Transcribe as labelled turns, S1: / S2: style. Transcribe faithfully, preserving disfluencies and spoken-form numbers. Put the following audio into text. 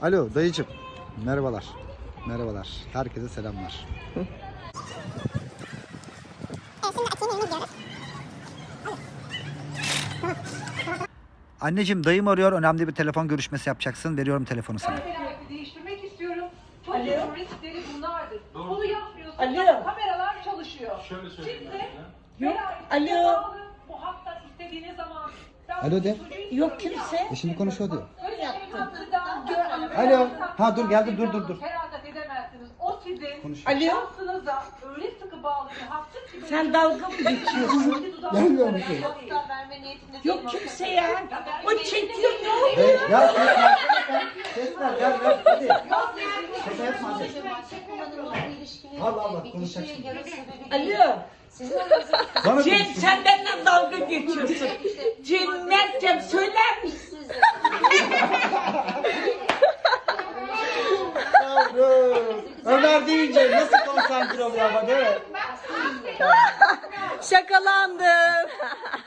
S1: Alo dayıcım. Merhabalar. Merhabalar. Herkese selamlar. Anneciğim dayım arıyor. Önemli bir telefon görüşmesi yapacaksın. Veriyorum telefonu sana.
S2: Kamerayı değiştirmek istiyorum. Çok
S3: Alo.
S2: uzun riskleri bunlardır. Bunu yapmıyorsunuz.
S3: Alo.
S2: Kameralar çalışıyor.
S4: Şöyle söyleyeyim
S2: Siz de
S3: Yok.
S2: velayetinize
S3: Alo.
S2: bağlı, bu haktan istediğiniz zaman ben
S1: Alo de.
S2: çocuğu
S3: Yok
S2: istiyorum
S3: kimse.
S1: E şimdi konuşuyor diyor.
S2: Böyle şeyin hakkında görmem.
S1: Alo. Ha, dur, geldi, dur, dur, dur.
S2: Feragat edemezsiniz. O sizin
S1: Konuşuyor.
S3: Alo.
S2: şansınıza öyle sıkı bağlı ki haksız gibi.
S3: Sen dalga mı geçiyorsun?
S1: Gelmiyor musun?
S3: Yok kimse ya. O çekiyor ne oluyor?
S1: Hey, ya ses ver. Ses ver. Gel gel. Hadi. Şaka yapma hadi. Allah Allah, konuşacaksın.
S3: Alo.
S1: Bana
S3: Cem
S1: konuş.
S3: sen benimle dalga geçiyorsun. Cem Mert'cem söyler misin?
S1: Yavrum. Ömer deyince nasıl konsantre oluyor ama değil mi?
S5: Şakalandım.